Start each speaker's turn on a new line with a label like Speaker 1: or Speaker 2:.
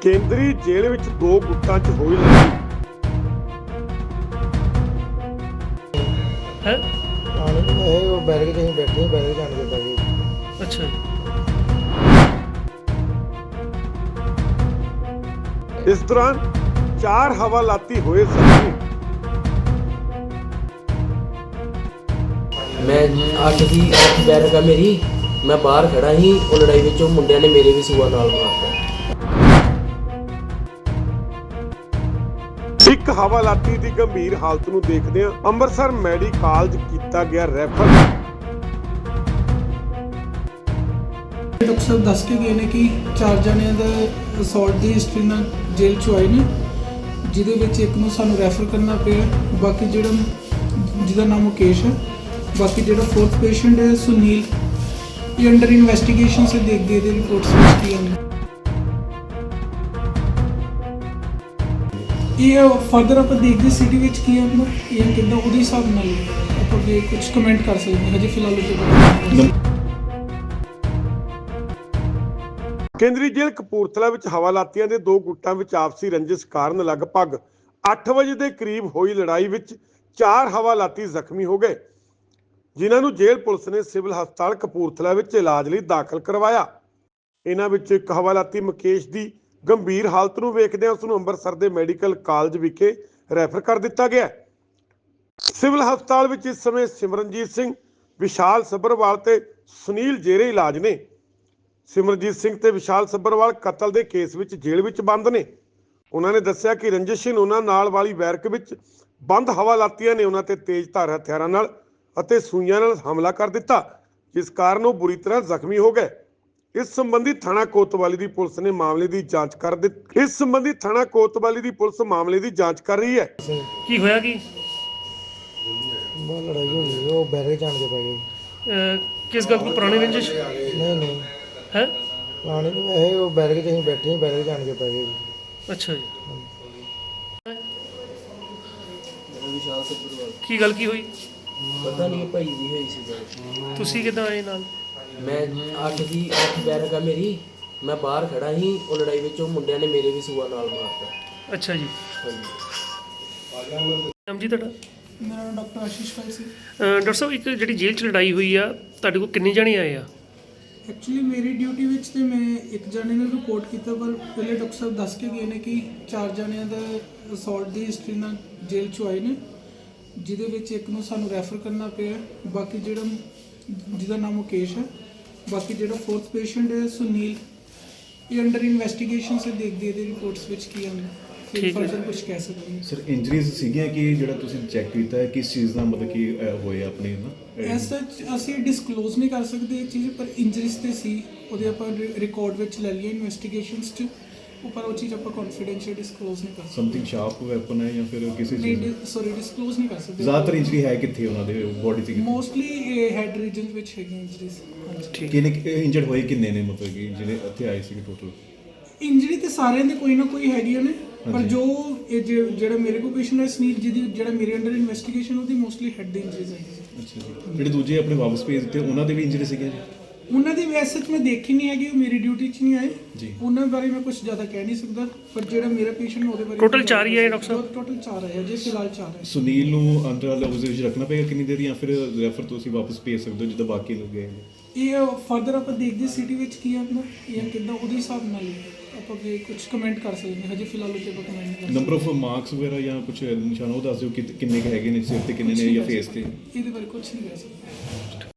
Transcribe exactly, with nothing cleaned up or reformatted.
Speaker 1: ਕੇਂਦਰੀ ਜੇਲ੍ਹ ਵਿੱਚ ਦੋ ਗੁੱਟਾਂ 'ਚ ਹੋਈ ਲੜਾਈ।
Speaker 2: ਹੈ
Speaker 3: ਆਣੇ ਨੂੰ ਇਹ ਉਹ ਬੈਰਕ 'ਚ ਅਸੀਂ ਬੈਠੇ ਸੀ, ਬੈਰਕ ਜਾਣ ਕੇ ਪੈ ਗਏ।
Speaker 2: ਅੱਛਾ ਜੀ।
Speaker 1: ਇਸ ਦੌਰਾਨ ਚਾਰ ਹਵਾਲਾਤੀ ਹੋਏ ਜ਼ਖਮੀ।
Speaker 4: ਮੈਂ ਅੱਠ ਦੀ ਅੱਠ ਬੈਰਕ ਆ ਮੇਰੀ, ਮੈਂ ਬਾਹਰ ਖੜਾ ਸੀ, ਉਹ ਲੜਾਈ ਵਿੱਚ ਉਹ ਮੁੰਡਿਆਂ ਨੇ ਮੇਰੇ ਵੀ ਸੂਆ ਨਾਲ ਮਾਰਤਾ।
Speaker 1: ਇੱਕ ਹਵਾਲਾਤੀ ਦੀ ਗੰਭੀਰ ਹਾਲਤ ਨੂੰ ਦੇਖਦਿਆਂ ਅੰਮ੍ਰਿਤਸਰ ਮੈਡੀਕਲ ਕਾਲਜ ਕੀਤਾ ਗਿਆ ਰੈਫਰ।
Speaker 5: ਡਾਕਟਰ ਸਾਹਿਬ ਦੱਸ ਕੇ ਗਏ ਨੇ ਕਿ ਚਾਰ ਜਣਿਆਂ ਦਾ ਅਸੌਲਟ ਦੀ ਹਿਸਟਰੀ ਨਾਲ ਜੇਲ੍ਹ 'ਚ ਆਏ ਨੇ, ਜਿਹਦੇ ਵਿੱਚ ਇੱਕ ਨੂੰ ਸਾਨੂੰ ਰੈਫਰ ਕਰਨਾ ਪਿਆ। ਬਾਕੀ ਜਿਹੜਾ ਜਿਹਦਾ ਨਾਮ ਮੁਕੇਸ਼ ਹੈ, ਬਾਕੀ ਜਿਹੜਾ ਫੋਰਥ ਪੇਸ਼ੈਂਟ ਹੈ ਸੁਨੀਲ, ਇਹ ਅੰਡਰ ਇਨਵੈਸਟੀਗੇਸ਼ਨ ਸੇ ਦੇਖਦੇ ਇਹਦੇ ਰਿਪੋਰਟਸ ਵਿੱਚ ਕੀ ਆਉਂਦੇ। ਇਹ ਫਰਦਰ ਆਪਾਂ ਦੇਖਦੇ ਸਿਟੀ ਵਿੱਚ ਕੀ ਆਉਂਦਾ, ਇਹ ਕਿੱਦਾਂ ਉਹਦੇ ਹਿਸਾਬ ਨਾਲ ਆਪਾਂ ਅੱਗੇ ਕੁਝ ਕਮੈਂਟ ਕਰ ਸਕਦੇ ਹਾਂ। ਹਜੇ ਫਿਲਹਾਲ ਉੱਤੇ
Speaker 1: ਕੇਂਦਰੀ ਜੇਲ੍ਹ ਕਪੂਰਥਲਾ ਵਿੱਚ ਹਵਾਲਾਤੀਆਂ ਦੇ ਦੋ ਗੁੱਟਾਂ ਵਿੱਚ ਆਪਸੀ ਰੰਜਿਸ਼ ਕਾਰਨ ਲਗਭਗ ਅੱਠ ਵਜੇ ਦੇ ਕਰੀਬ ਹੋਈ ਲੜਾਈ ਵਿੱਚ ਚਾਰ ਹਵਾਲਾਤੀ ਜ਼ਖਮੀ ਹੋ ਗਏ, ਜਿਨ੍ਹਾਂ ਨੂੰ ਜੇਲ੍ਹ ਪੁਲਿਸ ਨੇ ਸਿਵਲ ਹਸਪਤਾਲ ਕਪੂਰਥਲਾ ਵਿੱਚ ਇਲਾਜ ਲਈ ਦਾਖਲ ਕਰਵਾਇਆ। ਇਹਨਾਂ ਵਿੱਚ ਇੱਕ ਹਵਾਲਾਤੀ ਮੁਕੇਸ਼ ਦੀ ਗੰਭੀਰ ਹਾਲਤ ਨੂੰ ਵੇਖਦਿਆਂ ਉਸ ਨੂੰ ਅੰਮ੍ਰਿਤਸਰ ਦੇ ਮੈਡੀਕਲ ਕਾਲਜ ਵਿਖੇ ਰੈਫਰ ਕਰ ਦਿੱਤਾ ਗਿਆ। ਸਿਵਲ ਹਸਪਤਾਲ ਵਿੱਚ ਇਸ ਸਮੇਂ ਸਿਮਰਨਜੀਤ ਸਿੰਘ, ਵਿਸ਼ਾਲ ਸੱਭਰਵਾਲ ਤੇ ਸੁਨੀਲ ਜੇਰੇ ਇਲਾਜ ਨੇ। ਸਿਮਰਨਜੀਤ ਸਿੰਘ ਤੇ ਵਿਸ਼ਾਲ ਸੱਭਰਵਾਲ ਕਤਲ ਦੇ ਕੇਸ ਵਿੱਚ ਜੇਲ੍ਹ ਵਿੱਚ ਬੰਦ ਨੇ। ਉਹਨਾਂ ਨੇ ਦੱਸਿਆ ਕਿ ਰੰਜਿਸ਼ਨ ਉਹਨਾਂ ਨਾਲ ਵਾਲੀ ਬੈਰਕ ਵਿੱਚ ਬੰਦ ਹਵਾਲਾਤੀਆਂ ਨੇ ਉਹਨਾਂ ਤੇ ਤੇਜ਼ਧਾਰ ਹਥਿਆਰਾਂ ਨਾਲ ਅਤੇ ਸੂਈਆਂ ਨਾਲ ਹਮਲਾ ਕਰ ਦਿੱਤਾ, ਜਿਸ ਕਾਰਨ ਉਹ ਬੁਰੀ ਤਰ੍ਹਾਂ ਜ਼ਖਮੀ ਹੋ ਗਏ। ਇਸ ਸੰਬੰਧੀ ਥਾਣਾ ਕੋਤਵਾਲੀ ਦੀ ਪੁਲਿਸ ਨੇ ਮਾਮਲੇ ਦੀ ਜਾਂਚ ਕਰ ਦਿੱਤੀ ਇਸ ਸੰਬੰਧੀ ਥਾਣਾ ਕੋਤਵਾਲੀ ਦੀ ਪੁਲਿਸ ਮਾਮਲੇ ਦੀ ਜਾਂਚ ਕਰ ਰਹੀ ਹੈ।
Speaker 2: ਕੀ ਹੋਇਆ ਕੀ?
Speaker 3: ਬਹੁਤ ਲੜਾਈ ਹੋ ਗਈ, ਉਹ ਬੈਰਕ ਜਾਣ ਕੇ ਪੈ ਗਏ।
Speaker 2: ਅਹ ਕਿਸ ਗੱਲ ਕੋਈ ਪੁਰਾਣੀ ਰੰਜਿਸ਼
Speaker 3: ਨਹੀਂ ਨਹੀਂ
Speaker 2: ਹੈ?
Speaker 3: ਆਣੇ ਨੂੰ ਇਹ ਉਹ ਬੈਰਕ 'ਚ ਅਸੀਂ ਬੈਠੇ ਸੀ, ਬੈਰਕ ਜਾਣ ਕੇ ਪੈ ਗਏ।
Speaker 2: ਅੱਛਾ ਜੀ।
Speaker 4: ਵਿਸ਼ਾਲ ਸੱਭਰਵਾਲ।
Speaker 2: ਕੀ ਗੱਲ ਕੀ ਹੋਈ?
Speaker 4: ਪਤਾ ਨਹੀਂ ਭਾਈ ਦੀ ਹੋਈ ਸੀ ਗੱਲ।
Speaker 2: ਤੁਸੀਂ ਕਿੱਦਾਂ ਆਏ ਨਾਲ?
Speaker 4: ਮੈਂ ਅੱਠ ਦੀ ਅੱਠ ਬੈਰਕ ਆ ਮੇਰੀ, ਮੈਂ ਬਾਹਰ ਖੜਾ ਸੀ, ਉਹ ਲੜਾਈ ਵਿੱਚ ਉਹ ਮੁੰਡਿਆਂ ਨੇ ਮੇਰੇ ਵੀ ਸੂਆ ਨਾਲ ਮਾਰਤਾ।
Speaker 2: ਅੱਛਾ ਜੀ।
Speaker 4: ਹਾਂਜੀ।
Speaker 2: ਨਾਮ ਜੀ ਤੁਹਾਡਾ?
Speaker 5: ਮੇਰਾ ਨਾਮ ਡਾਕਟਰ ਆਸ਼ੀਸ਼ ਭਾਈ ਸੀ।
Speaker 2: ਅਹ ਡਾਕਟਰ ਸਾਹਿਬ, ਇੱਕ ਜਿਹੜੀ ਜੇਲ੍ਹ 'ਚ ਲੜਾਈ ਹੋਈ ਆ, ਤੁਹਾਡੇ ਕੋਲ ਕਿੰਨੇ ਜਣੇ ਆਏ ਆ?
Speaker 5: ਐਕਚੁਅਲੀ ਮੇਰੀ ਡਿਊਟੀ ਵਿੱਚ ਤੇ ਮੈਂ ਇੱਕ ਜਣੇ ਨੂੰ ਰਿਪੋਰਟ ਕੀਤਾ, ਪਰ ਪਹਿਲੇ ਡਾਕਟਰ ਸਾਹਿਬ ਦੱਸ ਕੇ ਗਏ ਨੇ ਕਿ ਚਾਰ ਜਣਿਆਂ ਦਾ ਅਸੌਲਟ ਦੀ ਹਿਸਟਰੀ ਨਾਲ ਜੇਲ੍ਹ 'ਚ ਆਏ ਨੇ, ਜਿਹਦੇ ਵਿੱਚ ਇੱਕ ਨੂੰ ਸਾਨੂੰ ਰੈਫਰ ਕਰਨਾ ਪਿਆ। ਬਾਕੀ ਜਿਹੜਾ ਜਿਹਦਾ ਨਾਮ ਮੁਕੇਸ਼ ਹੈ, ਬਾਕੀ ਜਿਹੜਾ ਫੋਰਥ ਪੇਸ਼ੈਂਟ ਹੈ ਸੁਨੀਲ, ਇਹ ਅੰਡਰ ਇਨਵੈਸਟੀਗੇਸ਼ਨ ਸੇ ਦੇਖਦੇ ਇਹਦੇ ਰਿਪੋਰਟਸ ਵਿੱਚ ਕੀ ਆਉਂਦਾ, ਫਿਰ ਫਰਦਰ ਕੁਝ ਕਹਿ ਸਕਦੇ ਹਾਂ।
Speaker 6: ਸਰ ਇੰਜਰੀਜ਼ ਸੀਗੀਆਂ ਕਿ ਜਿਹੜਾ ਤੁਸੀਂ ਚੈੱਕ ਕੀਤਾ ਹੈ ਕਿਸ ਚੀਜ਼ ਦਾ ਮਤਲਬ ਕਿ ਅਹ, ਹੋਏ ਆਪਣੇ ਨਾ
Speaker 5: ਐਸ ਸੱਚ ਅਸੀਂ ਡਿਸਕਲੋਜ਼ ਨਹੀਂ ਕਰ ਸਕਦੇ ਇਹ ਚੀਜ਼, ਪਰ ਇੰਜਰੀਜ਼ ਤੇ ਸੀ, ਉਹਦੇ ਆਪਾਂ ਰਿਕਾਰਡ ਵਿੱਚ ਲੈ ਲਈਏ ਇਨਵੈਸਟੀਗੇਸ਼ਨਸ 'ਚ, ਪਰ ਉਹ ਚੀਜ਼ ਆਪਾਂ ਕੌਨਫੀਡੈਂਸ਼ੀਅਲ ਡਿਸਕਲੋਜ਼ ਨਹੀਂ ਕਰ ਸਕਦੇ।
Speaker 6: ਸਮਥਿੰਗ ਸ਼ਾਰਪ ਵੈਪਨ ਹੈ ਜਾਂ ਫਿਰ ਕਿਸੇ ਚੀਜ਼
Speaker 5: ਨਹੀਂ, ਸੌਰੀ ਡਿਸਕਲੋਜ਼ ਨਹੀਂ ਕਰ ਸਕਦੇ।
Speaker 6: ਜ਼ਿਆਦਾਤਰ ਇੰਜਰੀ ਹੈ ਕਿੱਥੇ ਉਹਨਾਂ ਦੇ ਬੋਡੀ ਤੇ?
Speaker 5: ਮੋਸਟਲੀ ਹੈਡ ਰੀਜਨ ਵਿੱਚ ਹੈਗੀਆਂ ਇੰਜਰੀਜ਼।
Speaker 2: ਠੀਕ।
Speaker 6: ਕਿੰਨੇ ਇੰਜਰਡ ਹੋਏ ਕਿੰਨੇ ਨੇ ਮਤਲਬ ਕਿ ਜਿਹੜੇ ਇੱਥੇ ਆਏ ਸੀਗੇ ਟੋਟਲ?
Speaker 5: ਇੰਜਰੀ ਤੇ ਸਾਰਿਆਂ ਦੇ ਕੋਈ ਨਾ ਕੋਈ ਹੈਗੀਆਂ ਨੇ, ਪਰ
Speaker 6: ਹਾਂਜੀ।
Speaker 5: ਜੋ ਇਹ ਜਿ- ਜਿਹੜਾ ਮੇਰੇ ਕੋਲ ਪੇਸ਼ੈਂਟ ਹੈ ਸੁਨੀਲ, ਜਿਹਦੀ ਜਿਹੜਾ ਮੇਰੇ ਅੰਡਰ ਇਨਵੈਸਟੀਗੇਸ਼ਨ, ਉਹਦੀ ਮੋਸਟਲੀ ਹੈਡ ਦੀ ਇੰਜਰੀਜ਼ ਹੈਗੀ ਸੀ।
Speaker 6: ਅੱਛਾ ਜੀ। ਜਿਹੜੇ ਦੂਜੇ ਆਪਣੇ ਵਾਪਸ ਭੇਜ ਦਿੱਤੇ ਉਹਨਾਂ ਦੇ ਵੀ ਇੰਜਰੀ ਸੀਗੀਆਂ ਜੀ?
Speaker 5: ਉਹਨਾਂ ਦੀ ਵੈਸੇ ਮੈਂ ਦੇਖੀ ਨਹੀਂ ਹੈਗੀ, ਉਹ ਮੇਰੀ ਡਿਊਟੀ 'ਚ ਨਹੀਂ ਆਏ
Speaker 6: ਜੀ।
Speaker 5: ਉਹਨਾਂ ਬਾਰੇ ਮੈਂ ਕੁਝ ਜ਼ਿਆਦਾ ਕਹਿ ਨਹੀਂ ਸਕਦਾ, ਪਰ ਜਿਹੜਾ ਮੇਰਾ ਪੇਸ਼ੈਂਟ ਉਹਦੇ ਬਾਰੇ
Speaker 2: Total ਚਾਰ ਹੀ ਆਏ ਡਾਕਟਰ ਸਾਹਿਬ?
Speaker 5: ਟੋਟਲ ਚਾਰ ਆਏ ਜੇ ਫਿਲਹਾਲ ਚਾਰ ਹੈ।
Speaker 6: ਸੁਨੀਲ ਨੂੰ ਅੰਡਰ ਆਬਜ਼ਰਵੇਸ਼ਨ ਰੱਖਣਾ ਪਏਗਾ ਕਿੰਨੀ ਦੇਰ, ਜਾਂ ਫਿਰ ਰੈਫਰ ਤੁਸੀਂ ਵਾਪਸ ਭੇਜ ਸਕਦੇ ਹੋ ਜਿੱਦਾਂ ਬਾਕੀ ਲੋਕ ਗਏ ਨੇ?
Speaker 5: ਇਹ ਫਰਦਰ ਆਪਾਂ ਦੇਖਦੇ ਸਿਟੀ ਵਿੱਚ ਕੀ ਆਉਂਦਾ, ਇਹ ਕਿੱਦਾਂ ਉਹਦੇ ਹਿਸਾਬ ਨਾਲ ਆਪਾਂ ਅੱਗੇ ਕੁਝ ਕਮੈਂਟ ਕਰ ਸਕਦੇ ਹਾਂ। ਹਜੇ ਫਿਲਹਾਲ ਉੱਤੇ ਆਪਾਂ ਕਮੈਂਟ ਨਹੀਂ ਕਰ
Speaker 6: ਨੰਬਰ ਆਫ ਮਾਰਕਸ ਵਗੈਰਾ ਜਾਂ ਕੁਝ ਨਿਸ਼ਾਨ ਉਹ ਦੱਸ ਦਿਓ ਕਿ ਕਿੰਨੇ ਕੁ ਹੈਗੇ ਨੇ ਸਿਰ ਤੇ, ਕਿੰਨੇ ਨੇ ਜਾਂ ਫੇਸ ਤੇ?
Speaker 5: ਸਕਦੇ, ਇਹਦੇ ਬਾਰੇ ਕੁਝ ਨਹੀਂ ਕਹਿ ਸਕਦੇ।